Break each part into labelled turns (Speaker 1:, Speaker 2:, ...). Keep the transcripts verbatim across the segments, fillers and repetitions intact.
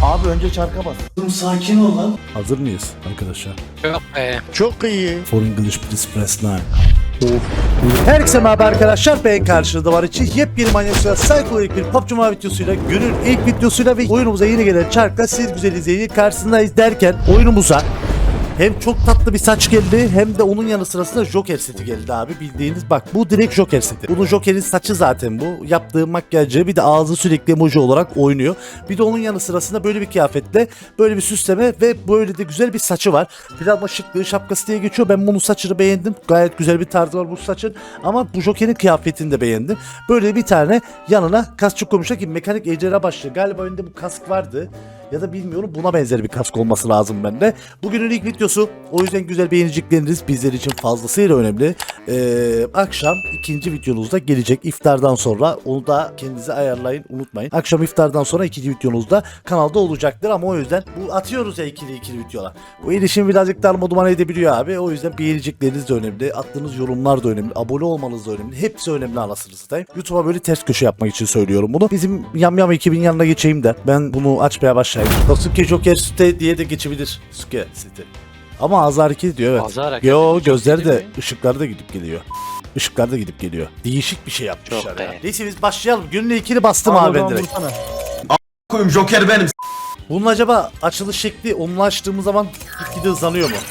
Speaker 1: Abi önce çarka bas.
Speaker 2: Dur sakin ol lan.
Speaker 3: Hazır mıyız arkadaşlar?
Speaker 4: Yok be.
Speaker 1: Çok iyi.
Speaker 3: For English please press nine. Herkese merhaba arkadaşlar, ben karşınızda var için yepyeni manyakça psikolojik bir P U B G Mobile videosuyla, günün ilk videosuyla ve oyunumuza yeni gelen çarkla siz güzel izleyici karşısındayız derken oyunumuza hem çok tatlı bir saç geldi hem de onun yanı sırasında Joker seti geldi abi, bildiğiniz bak bu direkt Joker seti. Bunun Joker'in saçı zaten bu. Yaptığı makyajı bir de ağzı sürekli emoji olarak oynuyor. Bir de onun yanı sırasında böyle bir kıyafetle böyle bir süsleme ve böyle de güzel bir saçı var. Plasma şıklığı şapkası diye geçiyor. Ben bunun saçını beğendim. Gayet güzel bir tarzı var bu saçın. Ama bu Joker'in kıyafetini de beğendim. Böyle bir tane yanına kaskçı koymuşlar ki mekanik ejderha başlığı. Galiba önünde bu kask vardı. Ya da bilmiyorum, buna benzer bir kask olması lazım bende. Bugünün ilk videosu. O yüzden güzel beğenecekleriniz bizler için fazlasıyla önemli. Ee, akşam ikinci videonuzda gelecek iftardan sonra. Onu da kendinize ayarlayın, unutmayın. Akşam iftardan sonra ikinci videonuzda kanalda olacaktır ama o yüzden bu atıyoruz ya ikili ikili videolar. Bu erişim birazcık darmadağın edebiliyor abi. O yüzden beğenecekleriniz de önemli. Attığınız yorumlar da önemli. Abone olmanız da önemli. Hepsi önemli anasını satayım. YouTube'a böyle ters köşe yapmak için söylüyorum bunu. Bizim Yamyam ekibin yanına geçeyim de ben bunu açmaya başlayayım. Sasuke Joker site diye de geçebilir. Sasuke site. Ama ağzı hareket ediyor, evet.
Speaker 4: Ağzı hareket
Speaker 3: Yo,
Speaker 4: ediyor.
Speaker 3: gözleri de
Speaker 4: Değil mi?
Speaker 3: ışıkları da gidip geliyor. Işıklar da gidip geliyor. Değişik bir şey yapmışlar
Speaker 4: Çok
Speaker 3: ya.
Speaker 4: be.
Speaker 3: Neyse biz başlayalım. Günün ilkini bastım abi ben direkt.
Speaker 2: Koyayım Joker benim.
Speaker 3: Bunun acaba açılış şekli onunla açtığımız zaman gitgide hızlanıyor mu?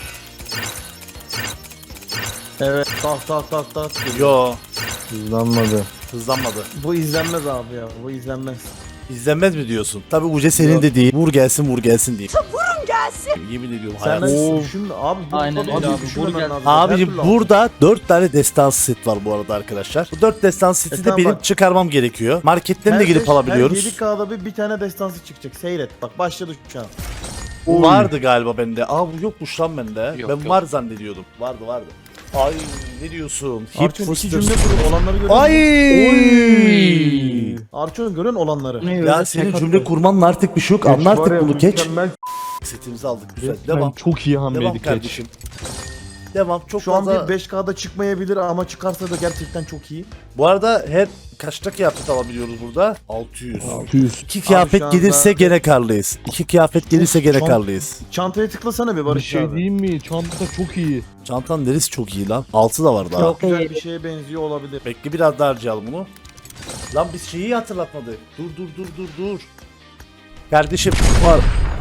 Speaker 1: Evet. Tak tak tak tak.
Speaker 3: Yo,
Speaker 1: Hızlanmadı.
Speaker 3: hızlanmadı.
Speaker 1: Bu izlenmez abi ya. Bu izlenmez.
Speaker 3: İzlenmez mi diyorsun? Tabi Uce senin
Speaker 1: Yok.
Speaker 3: de değil. Vur gelsin vur gelsin diye. Vurun gelsin. Yemin ediyorum
Speaker 1: Sen
Speaker 3: hayatım.
Speaker 1: de düşün abi. Bu
Speaker 5: Aynen
Speaker 1: tabii
Speaker 5: öyle
Speaker 1: abi,
Speaker 5: abi.
Speaker 1: düşünmemen
Speaker 5: Burger-
Speaker 1: lazım. Her
Speaker 3: Abicim
Speaker 1: türlü
Speaker 3: burada dört tane destansı set var bu arada arkadaşlar. Bu dört destansı seti
Speaker 1: E
Speaker 3: de
Speaker 1: tamam
Speaker 3: benim
Speaker 1: bak.
Speaker 3: çıkarmam gerekiyor. Marketten de
Speaker 1: Her
Speaker 3: girip
Speaker 1: beş-
Speaker 3: alabiliyoruz.
Speaker 1: Her yedi K'da bir, bir tane destansı çıkacak. Seyret. Bak başladı şu an.
Speaker 3: Bu vardı galiba bende. Aa bu yokmuş lan bende.
Speaker 4: Yok,
Speaker 3: ben
Speaker 4: yok.
Speaker 3: var zannediyordum. Vardı vardı. Ay ne diyorsun? Hip
Speaker 1: Arçon iki
Speaker 3: fıstık.
Speaker 1: cümle kurup olanları görüyor
Speaker 3: Ay.
Speaker 1: musun? Arçon görüyorsun olanları.
Speaker 5: Ne
Speaker 3: Ya
Speaker 5: öyle
Speaker 3: senin
Speaker 5: tek
Speaker 3: cümle
Speaker 5: attı.
Speaker 3: kurmanın artık bir şey yok. Anla artık bunu geç.
Speaker 6: Mükemmel.
Speaker 3: Setimizi aldık güzel.
Speaker 6: Resmen
Speaker 3: Devam.
Speaker 6: çok iyi
Speaker 3: Devam
Speaker 6: hamleydi Keç.
Speaker 3: kardeşim. Devam. Çok
Speaker 1: Şu an
Speaker 3: fazla.
Speaker 1: bir beş K'da çıkmayabilir ama çıkarsa da gerçekten çok iyi.
Speaker 3: Bu arada her kaçta kıyafet alabiliyoruz burada? altı yüz.
Speaker 6: altı yüz.
Speaker 3: İki kıyafet
Speaker 1: şu anda-
Speaker 3: gelirse gene karlıyız. İki kıyafet gelirse gene
Speaker 1: Çok-
Speaker 3: karlıyız.
Speaker 1: Çantaya tıklasana bir
Speaker 6: Bir
Speaker 1: Barış
Speaker 6: şey
Speaker 1: abi.
Speaker 6: diyeyim mi? Çanta çok iyi.
Speaker 3: Çantanın neresi çok iyi lan. Altı da var daha.
Speaker 5: Çok
Speaker 1: Güzel
Speaker 5: iyi.
Speaker 1: bir şeye benziyor olabilir.
Speaker 3: Bekle biraz daha harcayalım bunu. Lan biz şeyi hatırlatmadık. Dur dur dur dur dur. Kardeşim var.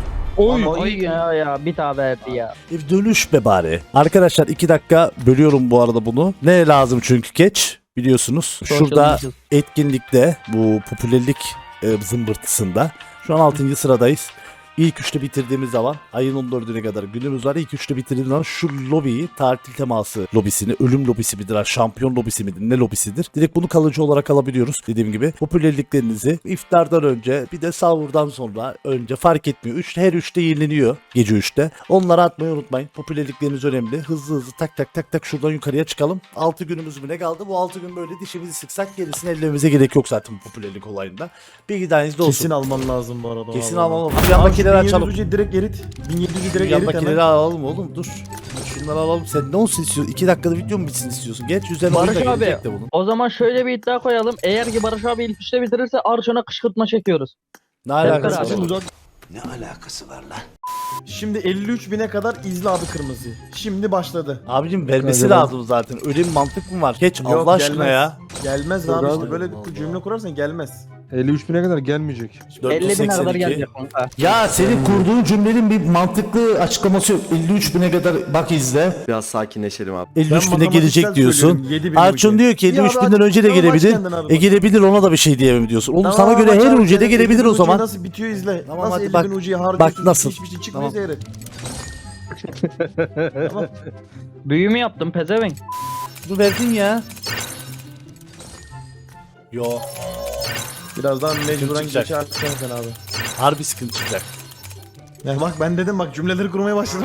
Speaker 6: Oy.
Speaker 1: Ama
Speaker 5: Oy ya ya bir daha verdi ya.
Speaker 3: Bir dönüş be bari. Arkadaşlar iki dakika bölüyorum bu arada bunu. Ne lazım çünkü geç biliyorsunuz. Şurada
Speaker 5: Social
Speaker 3: etkinlikte bu popülerlik e, zımbırtısında şu an altıncı sıradayız. İlk üçte bitirdiğimiz zaman ayın on dördüne kadar günümüz var. İlk üçte bitirdiğimiz zaman şu lobiyi, tatil teması lobisini, ölüm lobisi midir, şampiyon lobisi midir, ne lobisidir? Direkt bunu kalıcı olarak alabiliyoruz dediğim gibi. Popülerliklerinizi iftardan önce bir de sahurdan sonra önce fark etmiyor. üç, her üçte yenileniyor gece üçte. Onları atmayı unutmayın. Popülerlikleriniz önemli. Hızlı hızlı tak tak tak tak şuradan yukarıya çıkalım. altı günümüz mü ne kaldı? Bu altı gün böyle dişimizi sıksak gerisini ellememize gerek yok zaten bu popülerlik olayında. Bilgi dahilinizde olsun.
Speaker 1: Kesin alman lazım bu arada.
Speaker 3: Kesin
Speaker 1: vallahi.
Speaker 3: almam.
Speaker 1: Abi
Speaker 3: Yan
Speaker 1: şu
Speaker 3: makineleri açalım.
Speaker 1: bin yedi yüzü direkt erit. bin yedi yüzü direkt
Speaker 3: Yan
Speaker 1: erit
Speaker 3: makineleri
Speaker 1: hemen.
Speaker 3: alalım oğlum dur. Şunları alalım. Sen ne olsun istiyorsun? iki dakikada video mu bitsin istiyorsun? Geç üzerine oyun da
Speaker 5: Barış abi
Speaker 3: gelecek de bunun.
Speaker 5: o zaman şöyle bir iddia koyalım. Eğer ki Barış abi ilk üçte bitirirse Arçon'a kışkırtma çekiyoruz.
Speaker 3: Ne alakası
Speaker 5: beraber.
Speaker 3: var?
Speaker 6: Uzak.
Speaker 2: Ne alakası var lan?
Speaker 1: Şimdi elli üç bine kadar izle abi kırmızı. Şimdi başladı.
Speaker 3: Abicim vermesi
Speaker 6: Hadi
Speaker 3: lazım zaten. Öyle bir mantık mı var? Geç
Speaker 1: Yok,
Speaker 3: Allah aşkına
Speaker 1: gelmez.
Speaker 3: ya.
Speaker 1: Gelmez
Speaker 6: Yok
Speaker 1: abi
Speaker 6: abi.
Speaker 1: işte böyle
Speaker 3: Allah.
Speaker 1: cümle kurarsan gelmez.
Speaker 6: elli üç bine kadar gelmeyecek.
Speaker 5: elli bine kadar
Speaker 3: dört yüz seksen iki.
Speaker 5: gelecek kanka.
Speaker 3: Ya senin kurduğun cümlenin bir mantıklı açıklaması yok. elli üç bine kadar bak izle.
Speaker 7: Biraz sakinleşelim abi.
Speaker 3: elli üç
Speaker 1: Ben
Speaker 3: bine
Speaker 1: matematiksel
Speaker 3: gelecek diyorsun.
Speaker 1: söylüyorum, yedi bin
Speaker 3: Arçun
Speaker 1: ucu.
Speaker 3: diyor ki elli üç
Speaker 1: Ya
Speaker 3: binden
Speaker 1: abi,
Speaker 3: önce de
Speaker 1: tamam, aç
Speaker 3: gelebilir.
Speaker 1: kendin abi
Speaker 3: E
Speaker 1: bak.
Speaker 3: gelebilir, ona da bir şey diyemem diyorsun. Oğlum
Speaker 1: Tamam,
Speaker 3: sana göre
Speaker 1: bak
Speaker 3: her
Speaker 1: abi,
Speaker 3: ucuya da
Speaker 1: sen
Speaker 3: gelebilir
Speaker 1: elli bin
Speaker 3: o
Speaker 1: ucuya
Speaker 3: zaman.
Speaker 1: Nasıl bitiyor izle.
Speaker 3: Tamam,
Speaker 1: nasıl
Speaker 3: hadi
Speaker 1: elli
Speaker 3: bak.
Speaker 1: bin ucuya harcıyorsun.
Speaker 3: nasıl.
Speaker 1: Hiçbir şey çıkmıyor
Speaker 3: Tamam.
Speaker 1: seyret. Tamam.
Speaker 5: Büyü mü yaptın pezevenk?
Speaker 3: Bu verdin ya. Yo.
Speaker 1: Birazdan mecburen
Speaker 3: çıkacak.
Speaker 1: geçersin sen abi.
Speaker 3: Harbi sıkıntı çıkacak.
Speaker 1: Ya bak ben dedim bak cümleleri kurmaya başladım.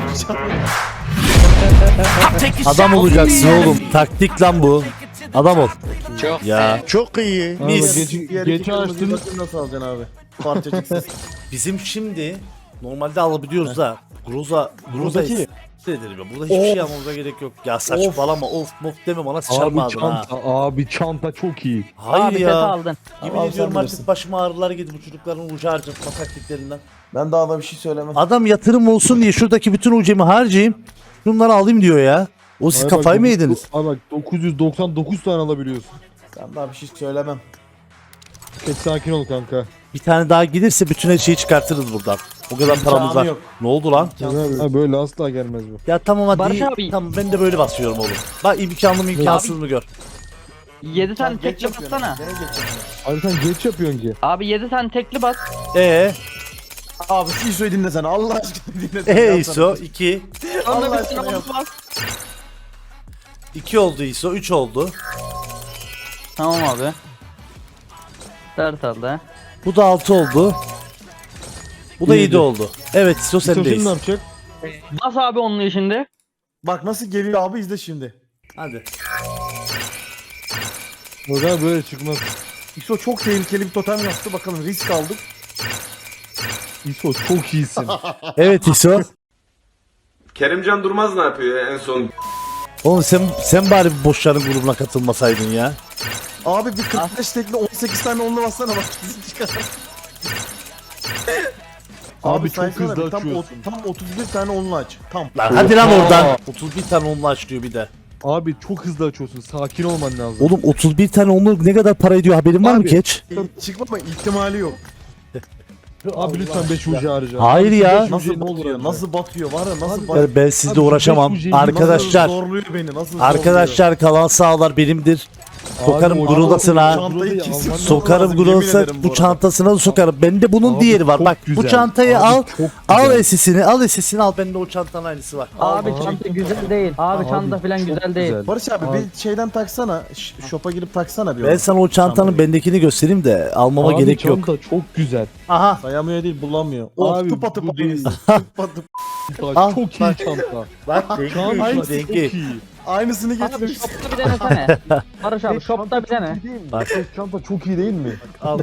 Speaker 3: Adam olacaksın oğlum. Taktik lan bu. Adam ol.
Speaker 4: Çok
Speaker 3: Ya.
Speaker 4: be.
Speaker 3: Çok iyi.
Speaker 6: Abi
Speaker 3: Mis.
Speaker 6: geç,
Speaker 1: Diğer
Speaker 6: geç
Speaker 1: iki kırmızıyı
Speaker 6: açtın.
Speaker 1: bakayım nasıl alacaksın abi. Parçacıksız.
Speaker 3: Bizim şimdi normalde alabiliyoruz da Groza Groza
Speaker 1: Buradaki
Speaker 3: ederim ya. Burada hiçbir şey yapmamıza gerek yok. Ya saçmalama of mof deme bana sıçarma
Speaker 6: Abi
Speaker 3: ağzına ha.
Speaker 6: çanta, abi çanta çok iyi.
Speaker 3: Hayır
Speaker 5: Abi
Speaker 3: ya.
Speaker 5: seti aldın.
Speaker 3: Yemin
Speaker 1: Allah'ım
Speaker 3: ediyorum
Speaker 1: sen
Speaker 3: artık
Speaker 1: bilirsin.
Speaker 3: başıma ağrılar girdi bu çocukların ucu harcatma taktiklerinden.
Speaker 1: Ben daha da bir şey söylemem.
Speaker 3: Adam yatırım olsun diye şuradaki bütün ucemi harcayayım. Şunları alayım diyor ya. O siz
Speaker 6: Abi bak,
Speaker 3: kafayı mı
Speaker 6: dokuz-
Speaker 3: yediniz?
Speaker 6: Abi bak dokuz yüz doksan dokuz tane alabiliyorsun.
Speaker 1: Ben daha bir şey söylemem.
Speaker 6: Geç sakin ol kanka.
Speaker 3: Bir tane daha gelirse bütün her şeyi çıkartırız buradan. O kadar
Speaker 1: İmkanı
Speaker 3: paramız var.
Speaker 1: yok.
Speaker 3: Ne oldu lan?
Speaker 1: İmkansız.
Speaker 6: Abi böyle asla gelmez bu.
Speaker 3: Ya tamam hadi.
Speaker 5: Barış
Speaker 3: iyi.
Speaker 5: abi.
Speaker 3: Tamam ben de böyle basıyorum oğlum. Bak imkanlı mı imkansız mı gör.
Speaker 5: yedi tane
Speaker 1: Geç
Speaker 5: tekli
Speaker 1: yapıyorum.
Speaker 5: bassana.
Speaker 1: Gene geç yapıyorum.
Speaker 6: Abi sen geç yapıyorsun ki.
Speaker 5: Abi yedi tane tekli bas.
Speaker 3: Ee,
Speaker 1: Abi şu İso'yu dinlesene Allah aşkına dinlesene.
Speaker 3: ee
Speaker 1: Yapsana.
Speaker 3: İso iki.
Speaker 5: Sonra
Speaker 1: Allah
Speaker 5: üstüne
Speaker 1: aşkına yap.
Speaker 5: bas.
Speaker 3: iki oldu İso, üç oldu.
Speaker 5: Tamam abi. dört oldu.
Speaker 3: Bu da altı oldu. Bu da
Speaker 6: Yedi.
Speaker 3: yedi oldu. Evet İso
Speaker 6: İso şimdi
Speaker 3: sendeyiz.
Speaker 6: ne yapacak?
Speaker 5: Bas abi onun şimdi.
Speaker 1: Bak nasıl geliyor abi izle şimdi.
Speaker 3: Hadi.
Speaker 6: O zaman böyle çıkmaz.
Speaker 1: İso çok tehlikeli bir totem yaptı bakalım risk aldık.
Speaker 6: İso çok iyisin.
Speaker 3: Evet İso.
Speaker 4: Kerimcan Durmaz ne yapıyor ya en son?
Speaker 3: Oğlum sen sen bari bu boşların grubuna katılmasaydın ya.
Speaker 1: Abi bir kırk beş tekli on sekiz tane onlu bassana bak bizi çıkar.
Speaker 6: Abi çok
Speaker 1: saysana
Speaker 6: hızlı
Speaker 1: bir, tam,
Speaker 6: açıyorsun.
Speaker 1: ot- tam otuz bir tane onlu aç. Tam.
Speaker 3: Lan hadi lan oradan. otuz bir tane onlu aç diyor bir de.
Speaker 6: Abi çok hızlı açıyorsun. Sakin olman lazım.
Speaker 3: Oğlum otuz bir tane onlu ne kadar para ediyor haberin var mı
Speaker 6: Abi.
Speaker 3: Keç?
Speaker 1: E, çıkmama ihtimali yok.
Speaker 6: Abi lütfen beş ucu harca.
Speaker 3: Hayır
Speaker 6: Abi,
Speaker 3: ya.
Speaker 6: beş ucuyu
Speaker 1: Nasıl
Speaker 6: ne olur
Speaker 1: batıyor?
Speaker 6: harca.
Speaker 1: Nasıl batıyor? Var ya nasıl
Speaker 6: Abi,
Speaker 1: batıyor?
Speaker 3: Ben, ben sizle
Speaker 6: Abi,
Speaker 3: uğraşamam.
Speaker 6: beş ucu
Speaker 3: Arkadaşlar,
Speaker 1: Nasıl zorluyor beni? Nasıl
Speaker 3: arkadaşlar kalan sağlar benimdir. Sokarım
Speaker 6: Abi, o-
Speaker 3: gurulasına.
Speaker 1: Çantayı kesin
Speaker 3: Sokarım
Speaker 1: lazım, yemin
Speaker 3: gurulasa
Speaker 1: ederim bu
Speaker 3: bu
Speaker 1: arada.
Speaker 3: çantasına da sokarım. Bende bunun
Speaker 6: Abi,
Speaker 3: diğeri var.
Speaker 6: çok
Speaker 3: Bak bu
Speaker 6: güzel.
Speaker 3: çantayı
Speaker 6: Abi,
Speaker 3: al.
Speaker 6: çok
Speaker 3: Al
Speaker 6: güzel.
Speaker 3: esisini, al esisini al. Bende o çantanın aynısı var.
Speaker 5: Abi
Speaker 6: Abi,
Speaker 5: çanta güzel değil. Abi,
Speaker 6: Abi,
Speaker 5: çanta falan
Speaker 6: çok
Speaker 5: güzel değil.
Speaker 6: güzel.
Speaker 1: Barış abi,
Speaker 6: Abi.
Speaker 1: bir şeyden taksana. ş- Shop'a girip taksana bir
Speaker 3: Ben
Speaker 1: onu.
Speaker 3: sana o çantanın
Speaker 1: Çantayı.
Speaker 3: bendekini göstereyim de almama
Speaker 6: Abi,
Speaker 3: gerek yok.
Speaker 6: çanta çok güzel.
Speaker 3: Aha.
Speaker 1: Sayamıyor değil bulamıyor. Of
Speaker 6: Abi,
Speaker 1: tıpa tıpa
Speaker 6: bu değil.
Speaker 1: aynısı. Tıpa tıpa.
Speaker 6: Bak,
Speaker 3: Al,
Speaker 6: çok iyi
Speaker 3: bak.
Speaker 6: çanta.
Speaker 3: Bak
Speaker 6: Çanta
Speaker 3: dengi,
Speaker 6: çok
Speaker 3: dengi.
Speaker 6: iyi.
Speaker 1: Aynısını
Speaker 5: Abi
Speaker 1: getirmiş.
Speaker 5: shopta bir denesene. Barış abi shopta bir dene.
Speaker 3: Bak.
Speaker 6: Çanta çok iyi değil mi?
Speaker 3: Al.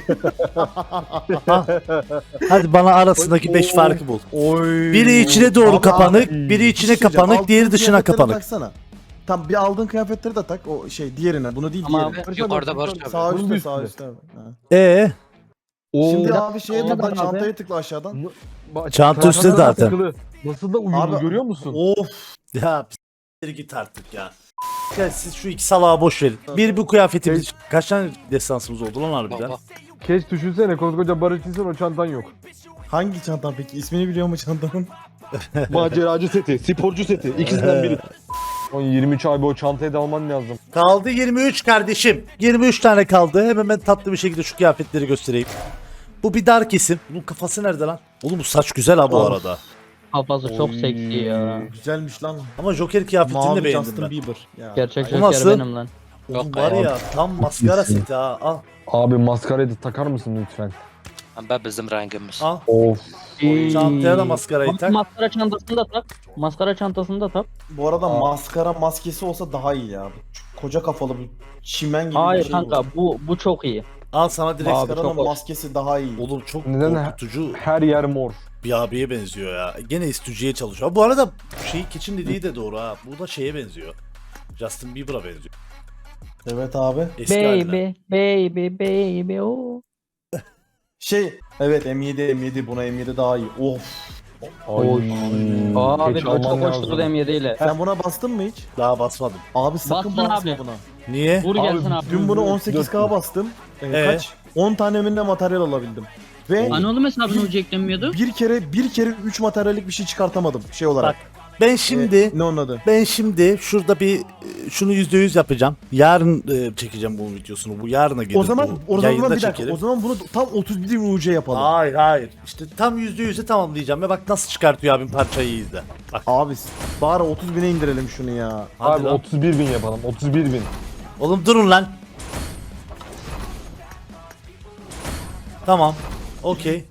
Speaker 3: Al. Hadi bana arasındaki beş farkı bul.
Speaker 1: Oy.
Speaker 3: Biri içine doğru
Speaker 1: Abi,
Speaker 3: kapanık,
Speaker 1: abi,
Speaker 3: biri
Speaker 1: bir
Speaker 3: içine
Speaker 1: şey söyleyeceğim.
Speaker 3: kapanık, diğeri
Speaker 1: Aldığın
Speaker 3: dışına
Speaker 1: kıyafetleri
Speaker 3: kapanık.
Speaker 1: Taksana. Tam bir aldığın kıyafetleri de tak. O şey diğerine. Bunu değil
Speaker 5: Tamam.
Speaker 1: diğerine.
Speaker 7: Yukarıda Barış abi.
Speaker 1: Sağ
Speaker 6: Bunun
Speaker 1: üstte
Speaker 6: bir
Speaker 1: sağ
Speaker 6: üstünde.
Speaker 1: üstte. Ha.
Speaker 3: Ee,
Speaker 6: Oo.
Speaker 1: Şimdi abi şeye
Speaker 5: Olmadı
Speaker 1: tıkla
Speaker 5: abi.
Speaker 1: çantaya tıkla aşağıdan.
Speaker 6: Bak,
Speaker 3: Çanta üstte
Speaker 6: çantalar
Speaker 3: zaten.
Speaker 6: takılı. Nasıl da uyumlu
Speaker 1: Abi,
Speaker 6: görüyor musun?
Speaker 1: Of.
Speaker 3: ya s**tir git artık ya. Ya siz şu iki salağa boş verin. Bir bu kıyafetimiz. Kaç tane destansımız oldu lan harbiden?
Speaker 7: Baba.
Speaker 6: Keş düşünsene koskoca Barış insan o çantan yok.
Speaker 1: Hangi çantan peki? İsmini biliyor mu çantanın?
Speaker 6: Maceracı seti, sporcu seti ikisinden biri. on yirmi üç abi o çantayı da alman lazım.
Speaker 3: Kaldı yirmi üç kardeşim. yirmi üç tane kaldı. Hemen ben tatlı bir şekilde şu kıyafetleri göstereyim. Bu bir dar kesim. Bunun kafası nerede lan? Oğlum bu saç güzel ha bu
Speaker 1: Of.
Speaker 3: arada.
Speaker 5: Kafası çok seksi ya.
Speaker 1: Güzelmiş lan.
Speaker 3: Ama Joker kıyafetini de
Speaker 1: Mavi
Speaker 3: beğendim
Speaker 1: Justin
Speaker 3: ben.
Speaker 1: Bieber. Ya.
Speaker 5: Gerçek
Speaker 3: O
Speaker 5: Joker
Speaker 3: nasıl?
Speaker 5: benim lan.
Speaker 3: Oğlum
Speaker 7: Yok
Speaker 3: var
Speaker 7: be.
Speaker 3: ya tam maskara seti ha. Al.
Speaker 6: Abi maskarayı da takar mısın lütfen?
Speaker 7: Ben bizim rengimiz.
Speaker 3: Al.
Speaker 6: Of.
Speaker 3: Çantaya da maskarayı
Speaker 5: Bak,
Speaker 3: tak.
Speaker 5: Maskara çantasını da tak. Maskara çantasını da tak.
Speaker 1: Bu arada maskara maskesi olsa daha iyi ya. Şu koca kafalı bir çimen gibi
Speaker 5: Hayır
Speaker 1: bir şey
Speaker 5: kanka
Speaker 1: bu.
Speaker 5: bu bu çok iyi.
Speaker 3: Al sana direkt.
Speaker 5: Abi,
Speaker 1: Maskaranın
Speaker 5: çok hoş.
Speaker 1: maskesi daha iyi.
Speaker 3: Oğlum çok
Speaker 6: Neden?
Speaker 3: korkutucu
Speaker 6: Her yer mor.
Speaker 3: bir abiye benziyor ya. Gene istücüye çalışıyor. Bu arada şeyi keçin dediği de doğru ha. Bu da şeye benziyor. Justin Bieber'a benziyor.
Speaker 1: Evet abi.
Speaker 3: Eski haline.
Speaker 5: Baby, baby, baby, oh.
Speaker 1: Şey, evet M yedi M yedi buna M yedi daha iyi. Of.
Speaker 6: Oy.
Speaker 5: Abi
Speaker 6: Keş
Speaker 5: bu
Speaker 6: alman
Speaker 5: çok hoş
Speaker 6: lazım.
Speaker 5: durdu M yedi ile.
Speaker 1: Sen buna bastın mı hiç?
Speaker 3: Daha basmadım.
Speaker 1: Abi sakın
Speaker 5: Bastın
Speaker 1: basma
Speaker 5: abi.
Speaker 1: buna.
Speaker 3: Niye?
Speaker 5: Vur gelsin
Speaker 6: Abi,
Speaker 5: abi.
Speaker 1: Dün bunu on sekiz K bastım. Ee,
Speaker 3: Ee?
Speaker 1: Kaç? on tane minne materyal alabildim. Ve
Speaker 8: Anadolu hesabına ucu eklenmiyordu.
Speaker 1: bir kere bir kere üç materyallik bir şey çıkartamadım şey olarak.
Speaker 3: Ben şimdi
Speaker 1: Ee, ne onun adı?
Speaker 3: ben şimdi şurada bir e, şunu yüzde yüz yapacağım. Yarın e, çekeceğim bu videosunu. Bu yarına gelir.
Speaker 1: O zaman
Speaker 3: bu.
Speaker 1: o zaman
Speaker 3: Yayında
Speaker 1: bir dakika.
Speaker 3: çekerim.
Speaker 1: O zaman bunu tam otuz bir U C yapalım.
Speaker 3: Hayır hayır. İşte tam yüzde yüze tamamlayacağım. Ya bak nasıl çıkartıyor abim parçayı iyi izle. Bak
Speaker 1: Abi bari otuz bine indirelim şunu ya.
Speaker 3: hadi
Speaker 6: Abi
Speaker 3: lan.
Speaker 6: otuz bir bin yapalım. otuz bir bin.
Speaker 3: Oğlum durun lan. Tamam. Okey.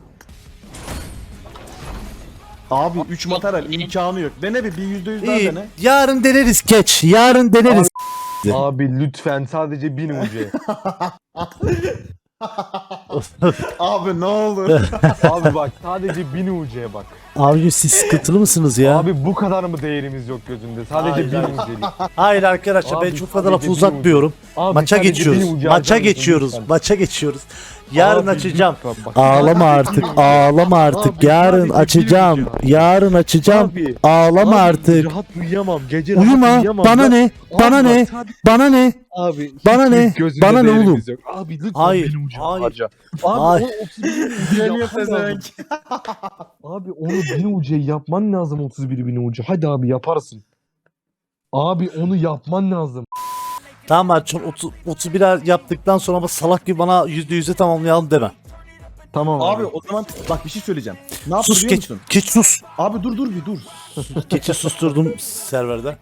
Speaker 1: Abi üç materyal imkanı yok. Dene bir bir yüzde yüz daha
Speaker 3: İyi.
Speaker 1: dene.
Speaker 3: Yarın deneriz geç. Yarın deneriz.
Speaker 6: Abi lütfen sadece bin U C.
Speaker 1: Abi ne olur.
Speaker 6: Abi bak sadece bin U C'ye bak.
Speaker 3: Abi siz sıkıntılı mısınız ya?
Speaker 6: Abi bu kadar mı değerimiz yok gözünde? Sadece
Speaker 1: Hayır,
Speaker 6: bin
Speaker 1: hayır.
Speaker 6: U C'lik.
Speaker 3: Hayır arkadaşlar ben
Speaker 6: Abi
Speaker 3: çok fazla lafı
Speaker 6: sadece
Speaker 3: uzatmıyorum.
Speaker 6: Abi
Speaker 3: Maça
Speaker 6: sadece
Speaker 3: geçiyoruz.
Speaker 6: bin U C
Speaker 3: Maça
Speaker 6: harcamışsın
Speaker 3: geçiyoruz.
Speaker 6: lütfen.
Speaker 3: Maça geçiyoruz. Yarın
Speaker 6: Abi
Speaker 3: açacağım.
Speaker 6: lütfen bak.
Speaker 3: Ağlama artık. Ağlama artık.
Speaker 6: Abi
Speaker 3: Yarın
Speaker 6: sadece
Speaker 3: açacağım.
Speaker 6: bir video.
Speaker 3: Yarın açacağım.
Speaker 6: Abi,
Speaker 3: Ağlama
Speaker 6: abi,
Speaker 3: artık.
Speaker 6: Rahat uyuyamam. Gece rahat
Speaker 3: Uyuma.
Speaker 6: uyuyamam.
Speaker 3: Bana
Speaker 6: Ya-
Speaker 3: ne?
Speaker 6: Abi
Speaker 3: Bana
Speaker 6: bak
Speaker 3: ne?
Speaker 6: sadece-
Speaker 3: Bana ne?
Speaker 6: Abi
Speaker 3: Bana
Speaker 6: hiçbir
Speaker 3: ne?
Speaker 6: gözünde
Speaker 3: Bana ne
Speaker 6: değerimiz
Speaker 3: oğlum?
Speaker 6: yok. Abi lütfen
Speaker 3: Hayır,
Speaker 6: bin U C
Speaker 3: hayır.
Speaker 6: harca. Abi
Speaker 3: Hayır.
Speaker 6: o otuz bir bin U C
Speaker 1: Geliyor
Speaker 6: yapman lazım.
Speaker 1: pezevenk.
Speaker 6: Abi onu bin U C yapman lazım otuz bir bin U C. Hadi abi yaparsın. Abi onu yapman lazım.
Speaker 3: Tamam Arçon otuz, otuz bir yaptıktan sonra ama salak gibi bana yüzde yüze tamamlayalım deme.
Speaker 6: Tamam
Speaker 1: Abi o zaman bak bir şey söyleyeceğim. Ne yaptı
Speaker 3: Sus
Speaker 1: biliyor
Speaker 3: geç.
Speaker 1: musun?
Speaker 3: Geç sus.
Speaker 1: Abi dur dur bir dur.
Speaker 3: Geçi susturdum serverde.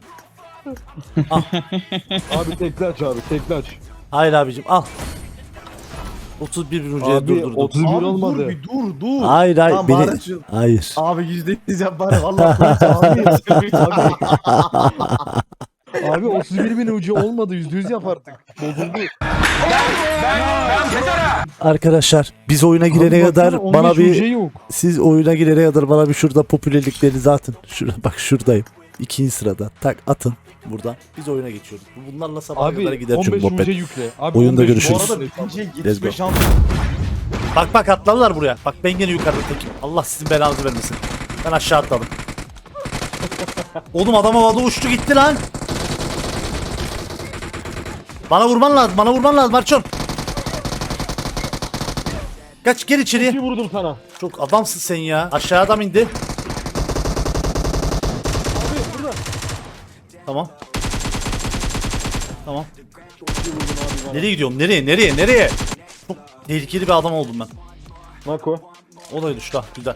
Speaker 6: Abi tekli aç abi tekli aç.
Speaker 3: Hayır abicim al. otuz bir bin ucuya
Speaker 6: Abi
Speaker 3: durdurdum.
Speaker 6: otuz bir
Speaker 1: Abi
Speaker 6: olmadı.
Speaker 1: dur bir dur dur.
Speaker 3: Hayır hayır
Speaker 1: Tamam,
Speaker 3: beni.
Speaker 1: bari şu-
Speaker 3: Hayır.
Speaker 1: Abi yüzde yüz yap bari valla Kur'an abi.
Speaker 6: Abi otuz bir bin U C olmadı yüzde yüz yap artık. Bozuldu.
Speaker 3: Arkadaşlar biz oyuna girene
Speaker 6: Abi
Speaker 3: kadar
Speaker 6: baksana,
Speaker 3: bana
Speaker 6: on beş U C
Speaker 3: bir
Speaker 6: yok.
Speaker 3: siz oyuna girene kadar bana bir şurada popülerliklerinizi atın. Şurada bak şuradayım. İkinci sırada. Tak atın buradan. Biz oyuna geçiyoruz. Bunlarla sabaha kadar
Speaker 6: Abi
Speaker 3: gider
Speaker 6: on
Speaker 3: çünkü
Speaker 6: beş U C
Speaker 3: muhabbet.
Speaker 6: yükle. Abi
Speaker 3: Oyunda
Speaker 6: on beş U C
Speaker 3: görüşürüz.
Speaker 1: Bu arada ikinciye
Speaker 3: Let's go.
Speaker 1: yetmiş beş şans.
Speaker 3: Bak bak atladılar buraya. Bak ben gene yukarıda tekim. Allah sizin belanızı vermesin. Ben aşağı atladım. Oğlum adam havada uçtu gitti lan. Bana vurman lazım. Bana vurman lazım Arçon. Kaç gel içeriye.
Speaker 6: İki vurdum sana.
Speaker 3: Çok adamsın sen ya. Aşağı adam indi.
Speaker 6: Abi burada.
Speaker 3: Tamam. Tamam. Nereye gidiyorum? Nereye? Nereye? Nereye? Çok tehlikeli bir adam oldum ben.
Speaker 6: Mako.
Speaker 3: O da düştü ha. Güzel.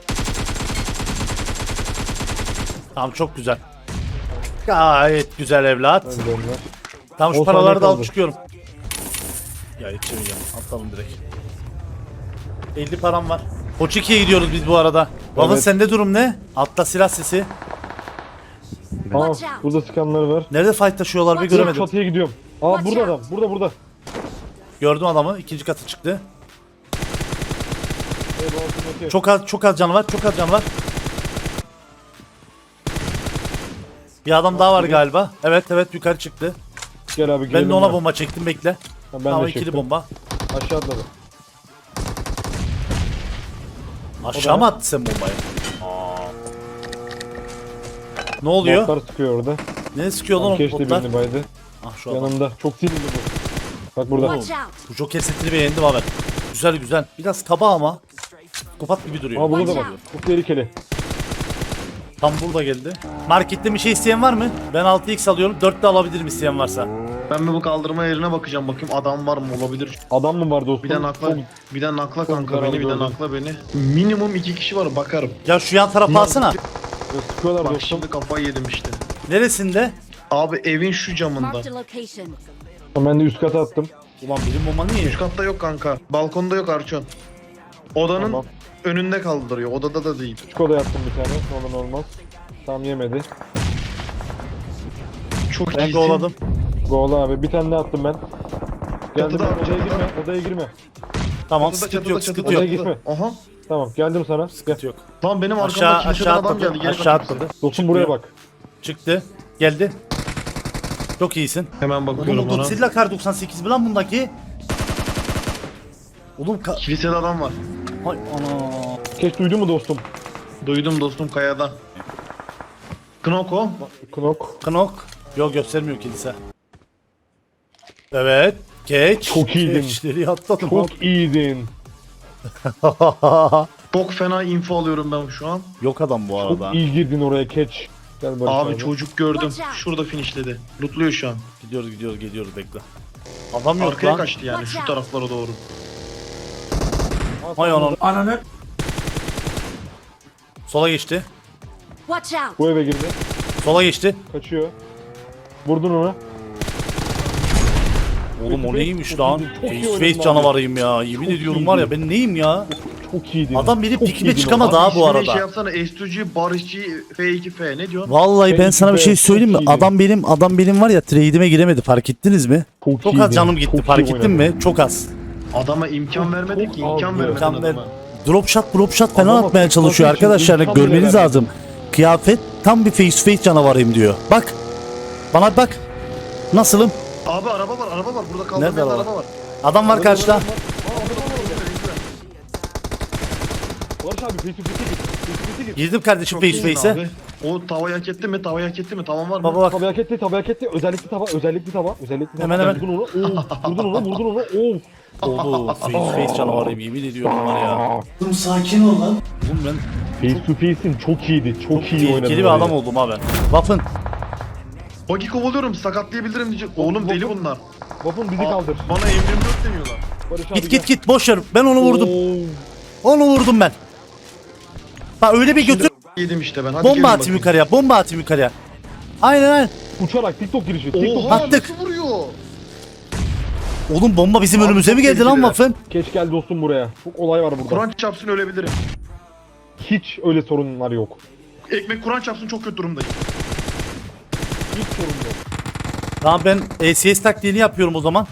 Speaker 3: Tamam çok güzel. Gayet güzel evlat.
Speaker 6: Hadi onlar.
Speaker 3: Tamam şu
Speaker 6: On
Speaker 3: paraları
Speaker 6: saniye
Speaker 3: da alıp
Speaker 6: kaldı.
Speaker 3: çıkıyorum. Ya yetişemeyeceğim. Atalım direkt. elli param var. Koç ikiye gidiyoruz biz bu arada. Baba
Speaker 6: Evet.
Speaker 3: sende durum ne? Altta silah sesi.
Speaker 6: Aa burada sıkanları var.
Speaker 3: Nerede fight taşıyorlar bir göremedim.
Speaker 6: Çatıya gidiyorum. Aa burada adam. Burada burada.
Speaker 3: Gördüm adamı. İkinci katı çıktı.
Speaker 6: Evet, altındaki.
Speaker 3: Çok az çok az canı var. Çok az canı var. Bir adam daha var galiba. Evet evet yukarı çıktı.
Speaker 6: Gel abi
Speaker 3: Ben
Speaker 6: girelim
Speaker 3: de ona
Speaker 6: ya.
Speaker 3: bomba çektim bekle.
Speaker 6: Ha, ben
Speaker 3: Tamam
Speaker 6: de
Speaker 3: ikili
Speaker 6: çektim.
Speaker 3: bomba.
Speaker 6: Aşağı atladı.
Speaker 3: Aşağı mı attı sen bombayı? Ne oluyor?
Speaker 6: Botlar sıkıyor orada.
Speaker 3: Ne sıkıyor lan o
Speaker 6: Keşke
Speaker 3: botlar?
Speaker 6: birini baydı.
Speaker 3: Ah şu adam.
Speaker 6: Yanımda. Çok sinirli bu. Bak burada.
Speaker 3: Oğlum, bu Joker setini beğendim abi. Güzel güzel. Biraz kaba ama. Kopat gibi duruyor.
Speaker 6: Aa burada da bak. Çok tehlikeli.
Speaker 3: Tam burada geldi. Markette bir şey isteyen var mı? Ben altı x alıyorum. dört de alabilirim isteyen varsa.
Speaker 1: Ben bir bu kaldırma yerine bakacağım bakayım adam var mı olabilir.
Speaker 6: Adam mı var dostum?
Speaker 1: Bir de nakla,
Speaker 6: Çok-
Speaker 1: bir de nakla kanka
Speaker 6: zarar
Speaker 1: beni, bir de
Speaker 6: gördüm.
Speaker 1: nakla beni. Minimum iki kişi var bakarım.
Speaker 3: Ya şu yan tarafa alsana.
Speaker 6: Sıkıyorlar
Speaker 1: Bak
Speaker 6: dostum.
Speaker 1: şimdi kafayı yedim işte.
Speaker 3: Neresinde?
Speaker 1: Abi evin şu camında.
Speaker 8: Marked a location.
Speaker 6: Ben de üst kata attım.
Speaker 3: Ulan benim bomba niye?
Speaker 1: Üst katta yok kanka. Balkonda yok Arçon. Odanın
Speaker 6: Tamam.
Speaker 1: önünde kaldırıyor. Odada da değil.
Speaker 6: Küçük odaya attım bir tane. Normal olmaz. Tam yemedi.
Speaker 1: Çok
Speaker 3: Ben
Speaker 1: iyisin.
Speaker 3: kovaladım.
Speaker 6: Gol abi. Bir tane daha attım ben. Geldim
Speaker 1: Çatıda,
Speaker 6: ben. Odaya
Speaker 1: çatıda.
Speaker 6: girme. Odaya girme.
Speaker 3: Tamam
Speaker 1: Çatıda,
Speaker 3: sıkıntı
Speaker 1: çatıda,
Speaker 3: yok
Speaker 1: çatıda,
Speaker 3: sıkıntı yok.
Speaker 6: Odaya gitme.
Speaker 1: Aha.
Speaker 6: Tamam geldim sana. Gel.
Speaker 3: Sıkıntı yok.
Speaker 1: Lan benim arkamda
Speaker 3: Aşağı
Speaker 1: kiliseden
Speaker 3: aşağı
Speaker 1: adam geldi.
Speaker 3: atladı.
Speaker 1: Geri
Speaker 3: Aşağı
Speaker 1: kaçtı.
Speaker 3: atladı.
Speaker 6: Dostum buraya bak.
Speaker 3: Çıktı. Geldi. Çok iyisin.
Speaker 1: Hemen
Speaker 3: Oğlum
Speaker 1: bakıyorum
Speaker 3: bu
Speaker 1: ona.
Speaker 3: Godzilla Kar doksan sekiz mi lan bundaki? Oğlum ka...
Speaker 1: Kilisede adam var.
Speaker 3: Hay ana.
Speaker 6: Keş duydun mu dostum?
Speaker 1: Duydum dostum kayada. Knoko.
Speaker 6: Knok.
Speaker 3: Knok. Yok göstermiyor kilise. Evet. Geç.
Speaker 6: Çok iyiydin.
Speaker 3: Geçleri atladım.
Speaker 6: Çok iyiydin.
Speaker 1: Çok fena info alıyorum ben şu an.
Speaker 3: Yok adam bu arada.
Speaker 6: Çok iyi girdin oraya keç. Gel Barış
Speaker 1: Abi
Speaker 6: abi.
Speaker 1: çocuk gördüm.
Speaker 8: Watch out.
Speaker 1: Şurada finishledi. Lootluyor şu an.
Speaker 3: Gidiyoruz gidiyoruz geliyoruz bekle. Adam yok
Speaker 1: Arkaya
Speaker 3: lan.
Speaker 1: kaçtı yani şu taraflara doğru.
Speaker 3: Hay ananı. Sola geçti.
Speaker 8: Watch out!
Speaker 6: Bu eve girdi.
Speaker 3: Sola geçti.
Speaker 6: Kaçıyor. Vurdun ona.
Speaker 3: Oğlum o
Speaker 6: Face-
Speaker 3: neymiş
Speaker 6: çok
Speaker 3: lan?
Speaker 6: iyiydin, çok iyi
Speaker 3: Face
Speaker 6: oynadın
Speaker 3: face
Speaker 6: abi.
Speaker 3: canavarıyım ya. Yemin
Speaker 6: Çok
Speaker 3: ediyorum var ya
Speaker 6: iyiydin.
Speaker 3: ben neyim ya?
Speaker 6: Çok iyiydin.
Speaker 3: Adam benim
Speaker 6: Çok
Speaker 3: pikime
Speaker 6: iyiydin
Speaker 3: çıkamadı
Speaker 6: orada.
Speaker 3: ha bu
Speaker 1: İsmini
Speaker 3: arada.
Speaker 1: Şey yapsana S iki G, Barışçı, F iki F ne diyorsun?
Speaker 3: Vallahi ben sana bir şey
Speaker 6: Çok
Speaker 3: söyleyeyim mi?
Speaker 6: iyiydin.
Speaker 3: Adam benim adam benim var ya trade'ime giremedi fark ettiniz mi?
Speaker 6: Çok
Speaker 3: Çok
Speaker 6: iyiydin.
Speaker 3: az canım gitti
Speaker 6: Çok
Speaker 3: fark
Speaker 6: iyi
Speaker 3: ettin mi?
Speaker 6: oynadın.
Speaker 3: Çok az.
Speaker 9: Adama imkan vermedin ki,
Speaker 6: Çok
Speaker 9: imkan
Speaker 6: azdı.
Speaker 9: vermedin
Speaker 3: İmkan ver-
Speaker 9: adama.
Speaker 3: Drop shot, drop shot falan
Speaker 6: Adama
Speaker 3: atmaya çalışıyor
Speaker 6: tutması için
Speaker 3: arkadaşlar.
Speaker 6: imkan bile
Speaker 3: Görmeniz
Speaker 6: vermedi.
Speaker 3: lazım. Kıyafet tam bir face to face canavarıyım diyor. Bak. Bana bir bak. Nasılım?
Speaker 9: Abi araba var, araba var. Burada
Speaker 3: Nerede
Speaker 9: kaldırmayan
Speaker 3: araba?
Speaker 9: araba var.
Speaker 3: Adam var karşıda.
Speaker 6: Barış abi face to face'e git. Face to face'e git.
Speaker 3: Girdim kardeşim
Speaker 9: Çok
Speaker 3: face to
Speaker 9: iyisin
Speaker 3: face'e.
Speaker 9: abi. O tavayı hak etti mi? Tavayı hak etti mi? Tavan var mı?
Speaker 3: Baba bak.
Speaker 6: Tabii hak etti, tabii hak etti. Özellikli tava, özellikli tava, özellikli tava.
Speaker 3: Hemen, hemen.
Speaker 6: Vurdun onu, oo, vurdun onu, vurdun onu, oo.
Speaker 3: Oo, face to face canavarıyım yemin ediyorum var ya.
Speaker 2: Oğlum sakin ol lan.
Speaker 3: Oğlum ben
Speaker 6: Face to face'in çok iyiydi, çok, iyi oynadı.
Speaker 3: tehlikeli bir adam oldum abi. Waffen.
Speaker 9: Bagi kovalıyorum, sakatlayabilirim diyecek. Oğlum deli bunlar.
Speaker 6: Vapun bizi
Speaker 9: Aa,
Speaker 6: kaldır.
Speaker 9: Bana M yirmi dört deniyorlar.
Speaker 6: Barış abi
Speaker 3: Git git git boş ver. Ben onu vurdum.
Speaker 6: Oo.
Speaker 3: Onu vurdum ben. Bak öyle bir götür.
Speaker 9: Yedim işte ben. Hadi gelin
Speaker 3: Bomba atayım
Speaker 9: bakayım.
Speaker 3: yukarıya. Bomba atayım yukarıya. Aynen aynen.
Speaker 6: Uçarak TikTok girişi, TikTok.
Speaker 9: Oha
Speaker 3: Attık.
Speaker 9: nasıl vuruyor?
Speaker 3: Oğlum bomba bizim
Speaker 9: Abi
Speaker 3: önümüze
Speaker 9: çok
Speaker 3: mi geldi lan
Speaker 9: tehlikeliler.
Speaker 3: Waffen?
Speaker 6: Geç gel dostum buraya. Çok olay var burada.
Speaker 9: Kur'an çarpsın ölebilirim.
Speaker 6: Hiç öyle sorunlar yok.
Speaker 9: Ekmek Kur'an çarpsın çok kötü durumdayım.
Speaker 6: Hiç sorun yok.
Speaker 3: Tamam ben A C S taktiğini yapıyorum o zaman.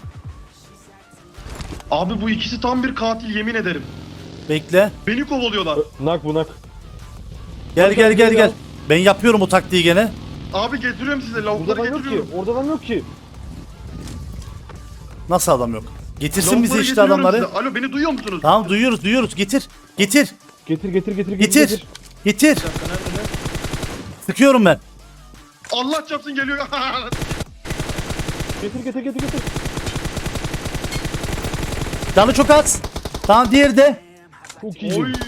Speaker 9: Abi bu ikisi tam bir katil yemin ederim.
Speaker 3: Bekle.
Speaker 9: Beni kovalıyorlar.
Speaker 6: Nak bu nak.
Speaker 3: Gel gel gel gel. Ben yapıyorum o taktiği gene.
Speaker 9: Abi getiriyorum size
Speaker 6: Burada
Speaker 9: lavukları
Speaker 6: adam yok ki.
Speaker 9: getiriyorum.
Speaker 6: Orada adam yok ki.
Speaker 3: Nasıl adam yok? Getirsin bize
Speaker 9: Lavukları
Speaker 3: işte
Speaker 9: getiriyorum
Speaker 3: adamları.
Speaker 9: size. Alo beni duyuyor musunuz?
Speaker 3: Tamam duyuyoruz duyuyoruz. Getir. Getir.
Speaker 6: Getir getir getir
Speaker 3: Getir. Getir. Sıkıyorum ben.
Speaker 9: Allah çarpsın geliyor.
Speaker 6: Getir getir getir getir.
Speaker 3: Canı çok az. Tamam diğeri de.
Speaker 6: Çok iyi.
Speaker 9: Oy.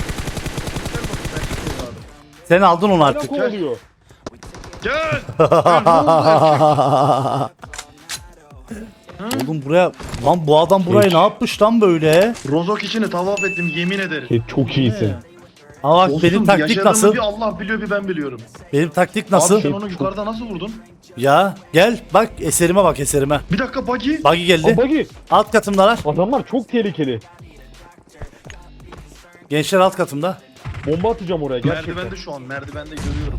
Speaker 3: Sen aldın onu
Speaker 6: Hala
Speaker 3: artık.
Speaker 6: kovalıyor.
Speaker 9: Gel.
Speaker 3: Oğlum buraya. Lan bu adam burayı ne yapmış lan böyle?
Speaker 9: Rozok içini tavaf ettim yemin ederim.
Speaker 6: Şey, çok iyisin.
Speaker 3: Ama bak
Speaker 9: Dostum,
Speaker 3: benim taktik
Speaker 9: yaşadığımı
Speaker 3: nasıl?
Speaker 9: bir Allah biliyor bir ben biliyorum.
Speaker 3: Benim taktik nasıl?
Speaker 9: Abi sen onu yukarıda nasıl vurdun?
Speaker 3: Ya gel bak eserime bak eserime.
Speaker 9: Bir dakika Buggy.
Speaker 3: Buggy geldi.
Speaker 6: Aa, Bagi.
Speaker 3: Alt katımdalar.
Speaker 6: Adamlar çok tehlikeli.
Speaker 3: Gençler alt katımda.
Speaker 6: Bomba atacağım oraya gerçekten.
Speaker 9: Merdivende şu an merdivende görüyorum.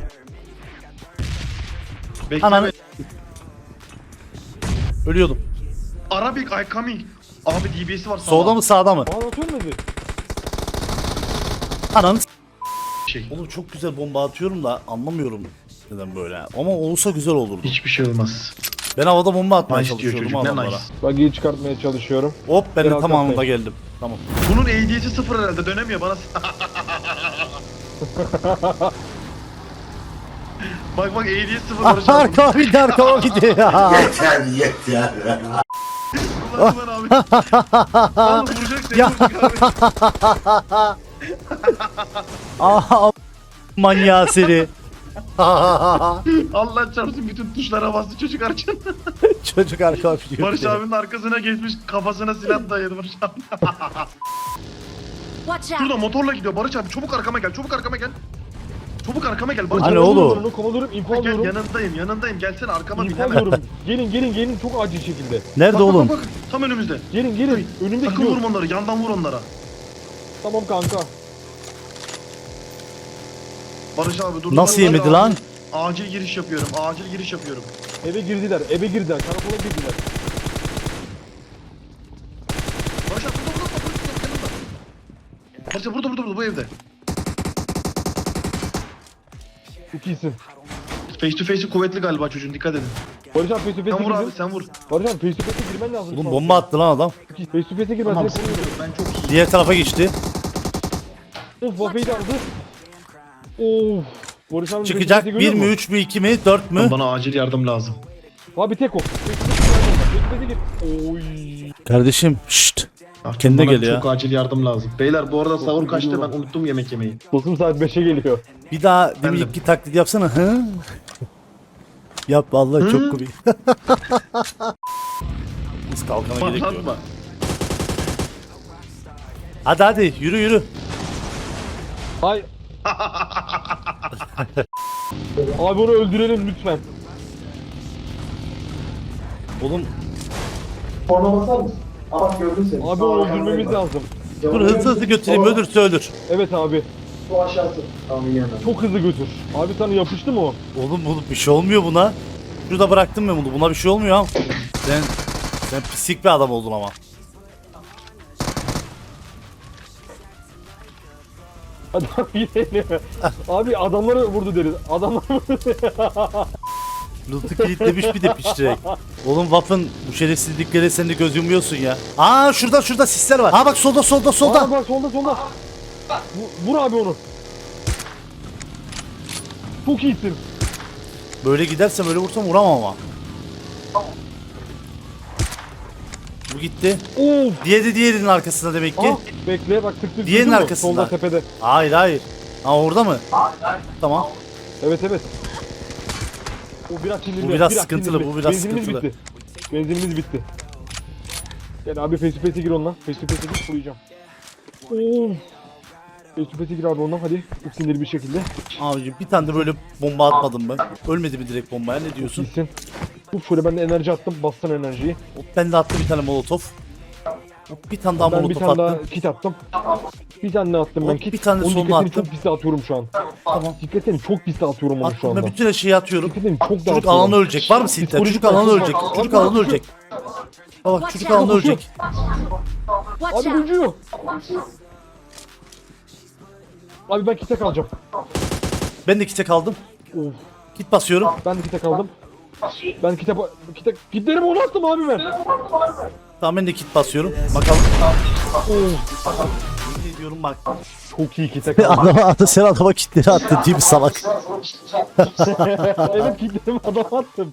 Speaker 9: Bekle.
Speaker 3: Ananı.
Speaker 9: be.
Speaker 3: Ölüyordum.
Speaker 9: Arabic I coming. Abi D B S'si var sağda.
Speaker 3: Solda mı sağda mı?
Speaker 6: Bana atıyor mu?
Speaker 3: Ananı s-
Speaker 9: Şey.
Speaker 3: Oğlum çok güzel bomba atıyorum da anlamıyorum neden böyle. Ama olsa güzel olurdu.
Speaker 9: Hiçbir şey olmaz.
Speaker 3: Ben havada bomba atmaya
Speaker 9: Nice diyor
Speaker 3: çalışıyordum
Speaker 9: çocuk ne
Speaker 3: adamlara.
Speaker 9: nice.
Speaker 6: Bagi'yi çıkartmaya çalışıyorum.
Speaker 3: Hop ben de
Speaker 6: Biraz
Speaker 3: tam
Speaker 6: daha
Speaker 3: anında
Speaker 6: sayın.
Speaker 3: geldim. Tamam.
Speaker 9: Bunun A D'si sıfır herhalde dönemiyor bana. Bak bak A D'si sıfır Barış abi.
Speaker 3: Arkama gitti arkama gitti.
Speaker 2: Yeter yeter.
Speaker 9: Ulan ulan abi. Oğlum vuracak seni
Speaker 3: Ya.
Speaker 9: vuracak abi.
Speaker 3: Aha manyağı seni.
Speaker 9: Allah çarpsın bütün tuşlara bastı çocuk arçın.
Speaker 3: Çocuk arkama gidiyor.
Speaker 9: Barış abinin arkasına geçmiş kafasına silah dayadı Barış abi.
Speaker 8: Watch out.
Speaker 9: Şurada motorla gidiyor Barış abi çabuk arkama gel çabuk arkama gel. Çabuk arkama gel Barış
Speaker 3: Hani
Speaker 9: abi.
Speaker 3: oğlum?
Speaker 6: Onu kovalıyorum, info
Speaker 9: Gel
Speaker 6: alıyorum.
Speaker 9: yanındayım yanındayım gelsene arkama bin
Speaker 6: İnfo
Speaker 9: hemen.
Speaker 6: alıyorum. Gelin gelin gelin çok acil şekilde.
Speaker 3: Nerede
Speaker 9: Bak,
Speaker 3: oğlum?
Speaker 9: Bak, bak, bak, tam önümüzde.
Speaker 6: Gelin gelin. Önümde
Speaker 9: Sakın
Speaker 6: gidiyor.
Speaker 9: vurma onları yandan vur onlara.
Speaker 6: Tamam kanka.
Speaker 9: Barış abi dur.
Speaker 3: Nasıl
Speaker 9: dur,
Speaker 3: yemedi
Speaker 9: acil-
Speaker 3: lan?
Speaker 9: Acil giriş yapıyorum acil giriş yapıyorum.
Speaker 6: Eve girdiler, eve girdiler. Karakola girdiler.
Speaker 9: Barış abi burada burada burada yanında. Barış abi burada burada burada bu evde.
Speaker 6: Çok iyisin.
Speaker 9: Face to face'i kuvvetli galiba çocuğun dikkat edin.
Speaker 6: Barış abi face to
Speaker 9: Sen
Speaker 6: face'e
Speaker 9: vur abi
Speaker 6: girdin.
Speaker 9: sen vur.
Speaker 6: Barış abi face to face'e girmen lazım.
Speaker 3: Oğlum bomba attı lan adam.
Speaker 6: Çok iyi. Face to face'e girmen
Speaker 9: Tamam
Speaker 6: lazım.
Speaker 9: sıkıntı yok ben çok iyi.
Speaker 3: Diğer tarafa geçti.
Speaker 6: Of Wafe'yi de aldı. Of. Barış abi
Speaker 3: Çıkacak
Speaker 6: face to
Speaker 3: bir
Speaker 6: face'i
Speaker 3: mi
Speaker 6: görüyor
Speaker 3: üç mü iki mi dört mü?
Speaker 9: Bana acil yardım lazım.
Speaker 6: musun? Abi tek o. Face to face'e gir. Oy.
Speaker 3: Kardeşim şşt.
Speaker 9: Artık
Speaker 3: Kendine
Speaker 9: bana
Speaker 3: gel ya.
Speaker 9: Çok acil yardım lazım. Beyler bu arada sahur kaçtı ben unuttum yemek yemeyi.
Speaker 6: Dostum saat beşe geliyor.
Speaker 3: Bir daha
Speaker 9: Ben
Speaker 3: demin
Speaker 9: de.
Speaker 3: iki taklit yapsana. Hı? Yap vallahi çok komik. Biz kalkana gerek yok.
Speaker 9: Patlatma.
Speaker 3: Hadi hadi yürü yürü.
Speaker 6: Hay. Abi onu öldürelim lütfen.
Speaker 3: Oğlum
Speaker 6: Abi onu öldürmemiz lazım.
Speaker 3: dur hızlı hızlı götüreyim ölürse ölür.
Speaker 6: Evet abi. Çok hızlı götür. Abi sana yapıştı mı o?
Speaker 3: Oğlum bu bir şey olmuyor buna. Şurada bıraktım ben bunu. Buna bir şey olmuyor ha. Sen sen pislik bir adam oldun ama.
Speaker 6: Hadi abi gidelim. Abi adamları vurdu deriz. Adamları vurdu.
Speaker 3: Loot'u kilitlemiş bir de piştirek. Oğlum Waffen bu şerefsizliklere sen de göz yumuyorsun ya. Aa şurada şurada sisler var. Aa bak solda solda solda.
Speaker 6: Aa, bak solda solda. Vur, vur abi onu. Çok iyisin.
Speaker 3: Böyle gidersem öyle vursam vuramam ama. Bu gitti.
Speaker 6: Of.
Speaker 3: Diğeri diğerinin arkasında demek ki.
Speaker 6: Aa, bekle bak tık tık.
Speaker 3: Diğerinin
Speaker 6: duydun mu?
Speaker 3: arkasında.
Speaker 6: Solda tepede.
Speaker 3: Hayır hayır. Ha orada mı? Tamam.
Speaker 6: Evet evet. O biraz sinirli.
Speaker 3: Bu biraz sıkıntılı, bu biraz
Speaker 6: Benzinimiz
Speaker 3: sıkıntılı.
Speaker 6: bitti. Benzinimiz bitti. Gel abi face to face'e gir onunla. Face to face'e gir kuruyacağım. Oo. Face to face'e gir abi onunla hadi. Çok sinirli bir şekilde.
Speaker 3: Abicim bir tane de böyle bomba atmadım mı? Ölmedi mi direkt bombaya, ne diyorsun?
Speaker 6: Gitsin. Uf şöyle ben de enerji attım. Bassan enerjiyi.
Speaker 3: Hop, ben de attım bir tane molotof. Hop, bir tane daha
Speaker 6: Ben bir
Speaker 3: molotof
Speaker 6: tane daha
Speaker 3: attım.
Speaker 6: kit attım. Bir tane daha attım ben
Speaker 3: Hop,
Speaker 6: kit.
Speaker 3: bir tane
Speaker 6: Onun
Speaker 3: sonuna
Speaker 6: dikkatini
Speaker 3: attım.
Speaker 6: çok piste atıyorum şu an.
Speaker 3: Tamam.
Speaker 6: Dikkatini çok piste atıyorum onu şu
Speaker 3: Attım
Speaker 6: anda.
Speaker 3: ve bütün her şeyi atıyorum.
Speaker 6: Dikkatini çok da
Speaker 3: Çocuk
Speaker 6: atıyorum.
Speaker 3: alanı ölecek. Var mı silahlar?
Speaker 6: Psikolojik
Speaker 3: Çocuk alanı
Speaker 6: baskı
Speaker 3: ölecek.
Speaker 6: var.
Speaker 3: Çocuk
Speaker 6: Abi,
Speaker 3: alanı
Speaker 6: koşuyor.
Speaker 3: ölecek. Bak çocuk alanı
Speaker 6: Koşuyor.
Speaker 3: ölecek.
Speaker 8: Watch
Speaker 6: Abi
Speaker 8: out!
Speaker 6: ucuyor. Abi ben kite kalacağım.
Speaker 3: Ben de kite kaldım.
Speaker 6: Of.
Speaker 3: Kit basıyorum.
Speaker 6: Ben de kite kaldım. Ben kite kite kitlerimi onu attım abi ben.
Speaker 3: Tamam ben de kit basıyorum. Bakalım.
Speaker 6: Of.
Speaker 3: Ne diyorum bak.
Speaker 6: Çok iyi kite kaldım.
Speaker 3: Adama, sen adama kitleri attın değil mi salak?
Speaker 6: Evet kitlerimi adama attım.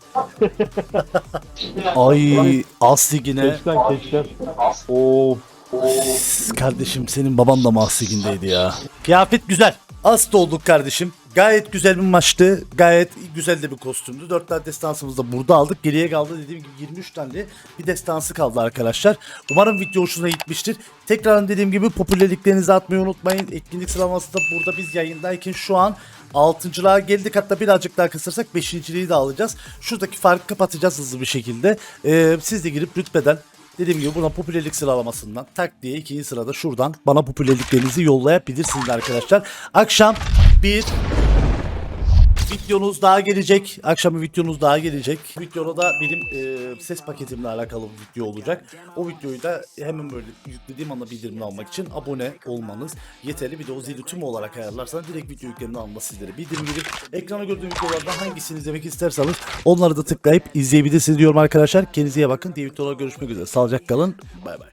Speaker 3: Ay Asligine.
Speaker 6: Keçten keçten. Of.
Speaker 3: Kardeşim senin baban da Mahsigindeydi ya. Kıyafet güzel. Hasta olduk kardeşim. Gayet güzel bir maçtı. Gayet güzel de bir kostümdü. dört tane destansımızı da burada aldık. Geriye kaldı dediğim gibi yirmi üç tane de bir destansı kaldı arkadaşlar. Umarım video hoşuna gitmiştir. Tekrar dediğim gibi popülerliklerinizi atmayı unutmayın. Etkinlik sıralaması da burada biz yayındayken şu an altıncılığa geldik. Hatta birazcık daha kısırsak beşinciliği de alacağız. Şuradaki farkı kapatacağız hızlı bir şekilde. Ee, siz de girip rütbeden dediğim gibi buradan popülerlik sıralamasından tak diye ikinci sırada şuradan bana popülerliklerinizi yollayabilirsiniz arkadaşlar. Akşam bir videonuz daha gelecek. Akşam bir videonuz daha gelecek. Videoda da benim e, ses paketimle alakalı bir video olacak. O videoyu da hemen böyle yüklediğim anda bildirimini almak için abone olmanız yeterli. Bir de o zili tüm olarak ayarlarsanız direkt video yüklerini alma sizlere bildirim gelir. Ekrana gördüğüm videolardan hangisini izlemek isterseniz onları da tıklayıp izleyebilirsiniz diyorum arkadaşlar. Kendinize iyi bakın. Diğer videolarda görüşmek üzere. Sağlıcakla kalın. Bay bay.